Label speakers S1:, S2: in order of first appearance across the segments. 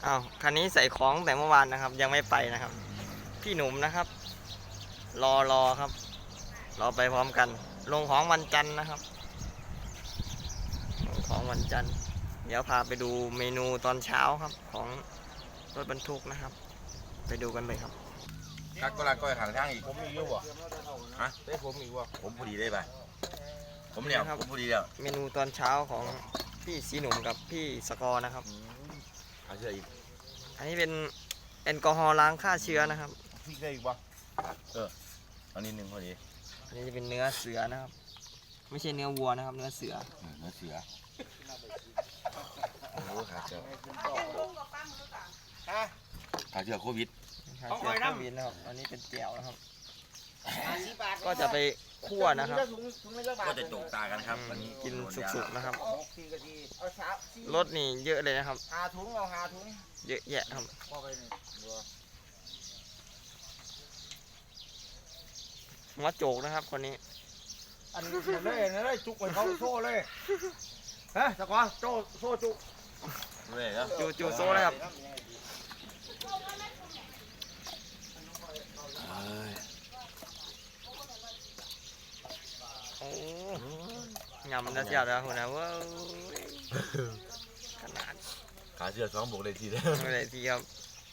S1: อ้าวคันนี้ใส่ของแต่เมื่อวานนะครับ ยังไม่ไปนะครับ พี่หนุ่มนะครับ รอครับรอไปพร้อมกัน ลงของวันจันทร์นะครับลงของวันจันทร์เดี๋ยวพาไปดูเมนูตอนเช้าครับของรถบรรทุกนะครับ ไปดูกันเลยครับ
S2: กักก็รักก็ขังทางอีก
S3: ผมอีกอยู่บ่
S2: ฮะ
S3: ได้ผมอีกบ่
S2: ผมพอดีได้ป่ะผมเนี่ย
S1: ครับ
S2: ผมพอดีแล้ว
S1: เมนูตอนเช้าของพี่สีหนุ่มกับพี่สกอร์นะครับ
S2: เอาเชื่ออีก
S1: อันนี้เป็นแอลกอฮอล์ล้างฆ่าเชื้อนะครับ
S3: พี่ได้อีกบ่
S2: เอานิดนึงพอดี
S1: อันนี้จะเป็นเนื้อเสือนะครับ ไม่ใช่เนื้อวัวนะครับ เนื้อเสือ
S2: เนื้อเสือโอ้ขาเสือ
S3: ฮะ
S2: ขาเสือโควิด
S1: ฆ่าเชื้อโควิดนะครับ อันนี้เป็นแจ่วนะครับ ก็จะไปคั่วนะครับ
S2: ก็จะโจกตากันครับวันนี้
S1: กินสุกๆนะครับ
S3: 4 นาทีเอาเช้าร
S1: สนี่เยอะเลยนะครับ
S3: หาถุงเอาหาถุง
S1: เยอะแยะครับ
S3: พอไปนี่
S1: หัวโจกนะครับคนนี้
S3: อันนี้เลยจุกไปเขาโซ่เลยฮะตะกอนโซ่จุก
S2: เลยแล้ว
S1: จูโซ่เลยครับ โอ้ยำนะเสียบแล้วคุณนะเว้ยขนาด
S2: ขาเสือสองบวกเลยทีเดียว
S1: ไม่ได้ทีครับ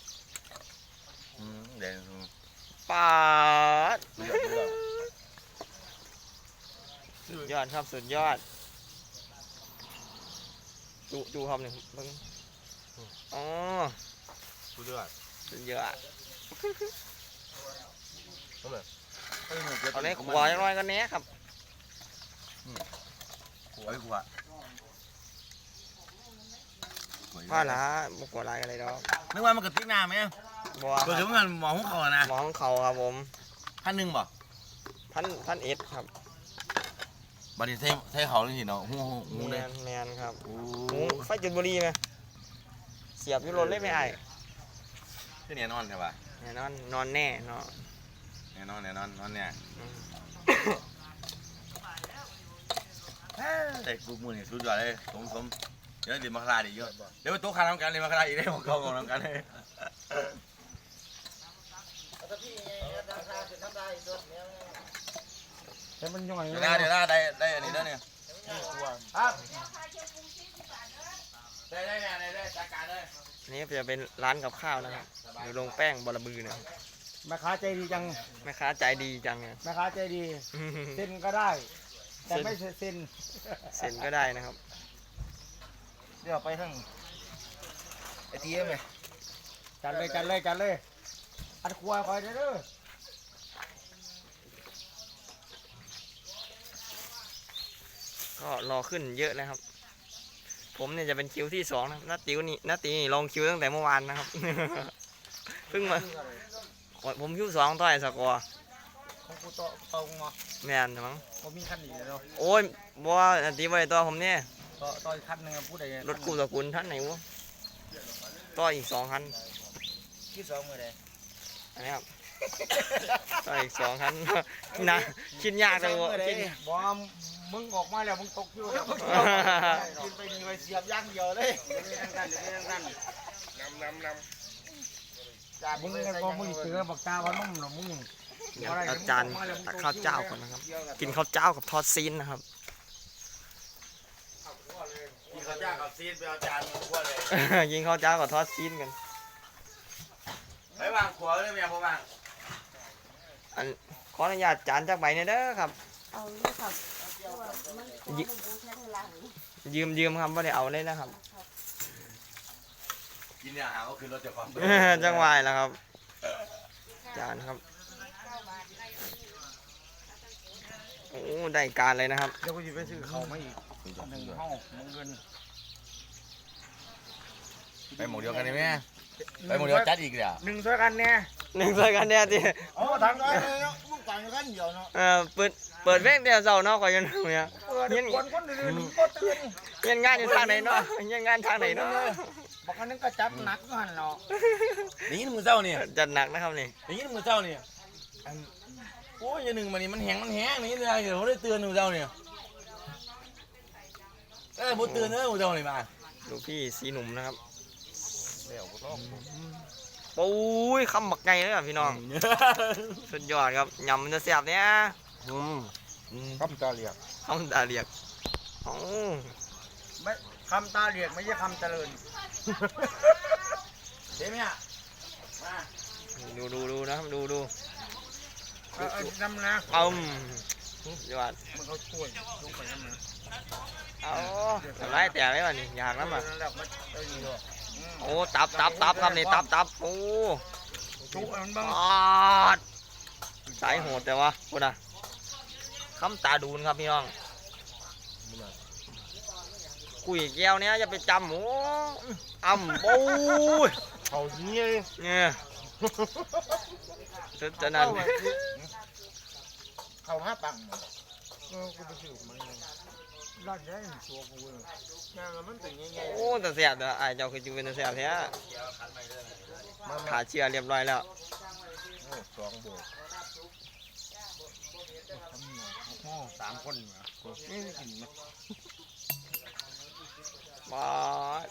S2: แดง
S1: ปาด
S2: เลือด
S1: สุดยอดครับสุดยอดจูครับหนึ่งเบิ่งอ๋อ
S2: สุดยอด
S1: สุดยอด
S2: เอาเลย
S1: เอาในขวาจังน้อยกันแน่ครับ
S2: ขวดขวด
S1: พ่อละบุกหัวลายอะไรดอก
S2: นึกว่ามันกระติกน้ำไหม
S1: บัว
S2: ตัวถึงมันหมอหุ้งคอนะ
S1: หมองเขาครับผม
S2: 1,000บ่
S1: พันเอ็ดครับ
S2: บัดนี้ใช้เขาเลยสิเนาะหู
S1: แม
S2: เลย
S1: นแมนครับ
S2: โอ้
S1: หมูไฟจุดบุหรีไหมเสียบอยุโรนเลยไม่ไอ้
S2: ที่เนี่ยนอนใช่ป่ะ
S1: แน่นอนนอนแน่เนาะ
S2: แน่นอนเนี่ย
S1: อืม
S2: แต่กูมือเนี่ยสุดยอดเลยสมเดี๋ยวเรียนมาคลาดีเยอะเดี๋ยวไปโต๊ะคาน้ำกันเรียนมาคลาอีกได้ของกองน้ำกันเลย
S3: แต่พี่ราคาคือทำได้ตัวเนี้ยแต่มันย่อย
S2: เดี๋ยวได้อันนี้แล้วเนี่ย
S3: ครับ
S2: ได้จัดการเลย
S1: อันนี่จะเป็นร้านกับข้าวนะครับอยู่โรงแป้งบอระบือนะครับ
S3: แม่ค้าใจดีจัง
S1: แม่ค้าใจดีจังเนี่ย
S3: แม่ค้าใจดีเซ็นก็ได้ แต่ไม่เซ็น
S1: เซ็นก็ได้นะครับ
S3: เดี๋ยวไปทั้งไอทีเอ็มเลยจัดเลยอัดครัวคอยเด้อ
S1: ก็รอขึ้นเยอะนะครับ ผมเนี่ยจะเป็นคิวที่2นะครับนาติวนี่ลองคิวตั้งแต่เมื่อวานนะครับ เพิ่งมาผมคิว2ต่อยสกอร์
S3: ของกูต่อตรงมา
S1: แมนมั้ง
S3: ผมมีคันหนีเลยเนาะ
S1: โอ้ยบัวนาติวไปตัวผมเนี่ย
S3: ต่ออีกคันหนึ่งพูดได้
S1: รถกู้ตระกูลท่านไหนวะต่ออีก2 คัน
S3: ที่สองมือใด
S1: อันนี้ครับ ต่ออีก2 คัน นะคิดยากจังวะคิด
S3: บอมมึงออกมาแล้วมึงตกอยู่แล้วกินไปมีไปเสียบย่างเดียวเลยมึงก็มึงเจอบักตาพันนุ่มหรอมึง
S1: เดี๋ยวอาจารย์ตักข้าวเจ้าก่อนนะครับ กินข้าวเจ้ากับทอดซีนนะครับ
S2: กินข้าวจ้ากับซีนไปเอาจานมาคั่วเลย
S1: กินข้าวเจ้ากับทอดซีนกัน
S2: ไปวางขวดเลยเมียผมวาง
S1: อันขออนุญาตจานจากใบเนี่ยเด้อครับ
S4: เอาเลยครับมันของบูแค่เวลาหรือ
S1: ยืมครับว่าได้เอาเลยนะครับ
S2: กินเนี่ยหาก็คือรถจะความ
S1: จังหวายแล้วครับ จานครับ โอ้ได้การเลยนะครับ
S3: เดี๋ยวกูจะไปซื้อเขามาอีกหนึ่งห้องมึงเงิน
S2: ไปหมูเดียวกันได้ไหมไปหมูเดียวจัดอีกเลย
S3: หนึ่งช่วยกันเนี่ย
S1: หนึ่งใส่กันเนี่ยที่
S3: อ๋อทางนั้นเลยเนาะมึงต่างกันเดียวเนาะ
S1: เปิดเพลงเดียวเสาเนาะก่อนยันเนี่ย
S3: เปิดคนอื่นก็ตื่น
S1: เย็นงานอยู่ทางไหนเนาะเย็นงานทางไหนเนาะ
S3: บอกอันนึงก็จับหนักหันเนาะ
S2: นี่มือเจ้าเนี่ย
S1: จัดหนักนะครับนี่
S2: นี่มือเจ้าเนี่ยโอ้ยอย่างหนึ่งมันนี่มันแห้งนี่เลยเดี๋ยวเขาได้เตือนมือเจ้าเนี่ยบุเตือนเนอะมือเจ้าเนี่ยมา
S1: ดูพี่สีหนุ่มนะครับ
S3: แล้วก็ต้อง
S1: ปุ้ยคำบักไงเลยอ่ะพี่น้องสุดยอดครับยำมันจะแซ่บเนี่ย
S3: คำตาเรียก
S1: คำตาเรียกโอ้
S3: ไม่คำตาเรียกไม่ใช่คำเจริญ
S2: เฮ้ยเนี่ยมา
S1: ดูนะครับดู
S3: เอาน้ำนะ
S1: ยอด
S3: มันเขาช่วยลงไปน้ำนะ
S1: เอาทำไรแต่ไหมวะนี่อยากน้ำอ่ะ
S3: แล้วมันเอาอยู่ด้วย
S1: โอ้ตับครับนี่ตับโอ้
S3: ชุมันบ้าง
S1: ปอดสายโหดแต่ว่าคุณอ่ะคำตาดูนครับพี่น้องกุยแก้วเนี้ยจะไปจำโอ้โอ้ย
S3: เขาเนี่ย
S1: เนี่ยจะนั่น
S3: เขาห้าปังกูไปซื้อมาร้านใหญ่ตัวกูเลยงานมันเป็นยังไง
S1: โอ้แต่เสียบเด้อไอ้เจ้าคือจูเป็นแต่เสียบแท้ขาเชื่อเรียบร้อยแล้ว
S3: โอ้สองโบกสามคนเหรอไม่กินนะ
S1: บอส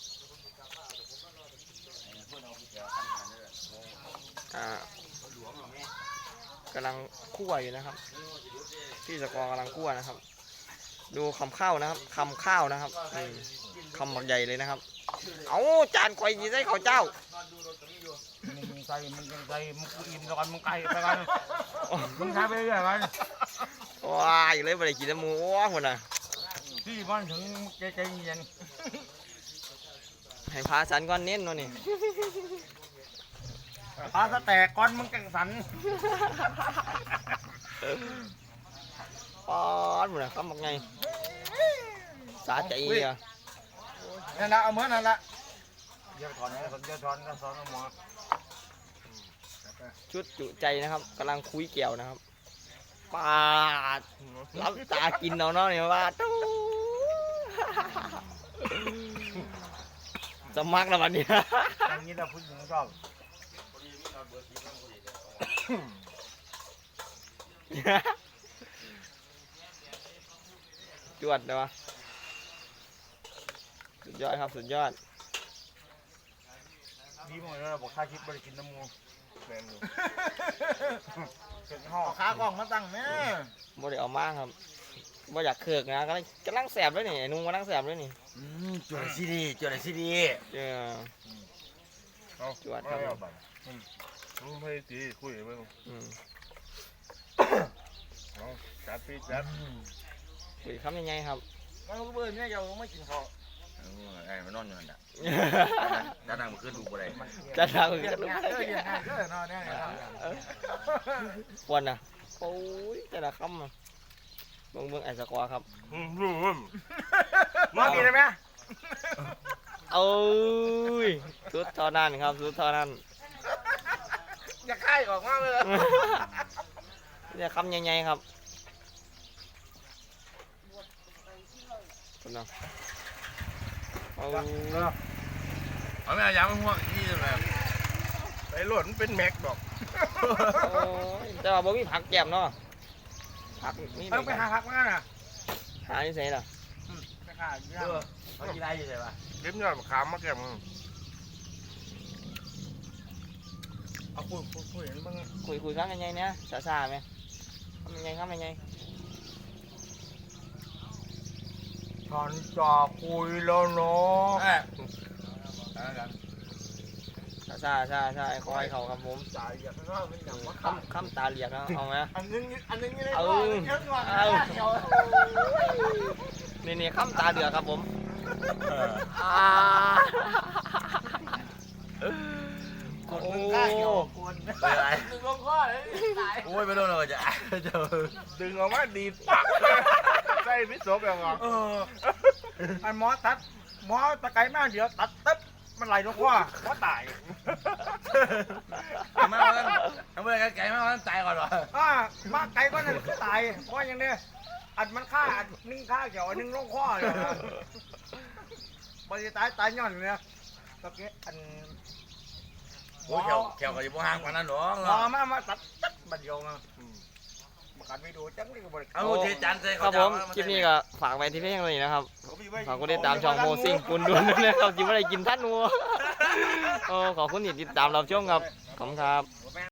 S1: กำลังคั่วอยู่นะครับพี่สกอร์กำลังคั่วนะครับ ดูคำข้าวนะครับคำข้าวนะครับคำบักใหญ่เลยนะครับเอาจานข่อยยีใส่ข้าวเจ้า
S3: มึงใส่มึงยังใส่มึงอินแล้วกันมึงไก่ไปกันมึงทำไปเรื่อยกัน
S1: ว้ายเลยไม่ได้กินน้ำหมูว้าคนน่ะ
S3: ที่บ้านถึงใจเย็น
S1: ให้พาสันก้อนเน้นวะนี่
S3: พาสแตกก้อนมึงกังสัน
S1: ปอดหมดเลยคำบักไงสาใจอ่ะ
S3: นั่นละเอาเหมือนนั่นละเดี๋ยวถอนนะเดี๋ยวถอนก็ถอนหมอ
S1: ชุดจุใจนะครับกำลังคุยเกี่ยวนะครับปาดรับตากินเอาเนาะเนี่ยว่าตู้จะมักแล้ววันนี้
S3: อันนี้เราพูดถึงชอบ
S1: จวดเลยวะสุดยอดครับสุดยอด
S3: ดีมากเลยบอกค่าคิดบริกินน้ำมูแมนอยู่เกิดห่อขากล้องมาตั้งเนี่ย
S1: บ่ได้เอามาครับบ่อยากเคือกนะกำลังแสบด้วยนี่ไอ้นุ่งกำลังแสบด้วยนี่
S2: จวดซีดีจวดซีดี
S1: เออจวดครับ
S3: มึงไปตีคุยมึง
S1: อืม
S3: จัดพี่จัด
S1: คุยคำยังไงครับ
S3: มันเบื่อเนี่ยเราไม่กินข้าว
S2: ไอ้มันนอนอยู่นั่นแหละด้านหน้ามันขึ้นดูอะไร
S1: จะทำกันลูก
S3: นอนเนี่ย
S1: วันน่ะโอ้ยแต่ละคำอ่ะเบิ่งไอ้สกอร์ครับ
S3: มากินได้ไหม
S1: โอ้ยสุดเท่านั้นครับสุดเท่านั้น
S3: อย่าค่ายออกมาเลย
S1: เนี่ยคำใหญ่ๆครับคุณน้องโอ้ย
S2: เอาไม่เอายาไม่ห่วงนี่เลย
S3: ไอ้หล่นเป็นแม็กดอก
S1: โอ้ยแต่ว่าบ่มีผักแก้มเนาะผักมี
S3: ต้องไปหาหักมาน่ะ
S1: หาที่ไหนล่ะ
S3: ไปหาเยอะ
S2: เขากินได้อยู่ใช่ปะ
S3: เล็บยอดขามมาแก้มเอาคุยเห็นบ้าง
S1: คุยคำยังไงเนี่ยซาๆไหมคำยังไง
S3: ฉันจะคุยแล้วเนาะ
S1: ซาไอ้คอยเขาครับผม
S3: จ่ายอย่างนั้นเป็นอย่างว่า
S1: คำตาเหลียกนะเอาไหม
S3: อันนึงนี่เลย
S1: เอา
S3: เยอะกว่า
S1: นี่คำตาเดือดครับผมโอ้
S2: อะไรโอ้ยไม่โดนเลยจะจะ
S3: ดึงออกมาดีปักใส่พิษโสแบบงออันหมอตัดหมอตะไคร้มากเดี๋ยวตัดตึ๊บมันไหลลงว่าหมอตาย
S2: มาวันทำไมไก่มาวันตายก่อนวะ
S3: มาไก่ก็นั่นคือตายเพราะอย่างนี้อัดมันฆ่าอัดนึ่งฆ่าเกี่ยวอันนึ่งลงคอเลยบริตายย้อนเนี่ยตะเกียอัน
S2: โอ้ยแขวก็จะบ่ห่างกว่านั้นหรอ
S3: รอมาตัดตัดบัดเดียวมาประกันไปดูจังเลยก็บริ
S2: เอาเทจันใส่
S1: ครับผมคลิปนี้ก็ฝากไว้ที่เพียงเท่านี้นะครับฝากกดติดตามช่องโมซิ่งกุนดวนด้วยนะครับจิ๋วอะไรกินท่านวัวโอ้ขอบคุณที่ติดตามเราชมครับขอบคุณครับ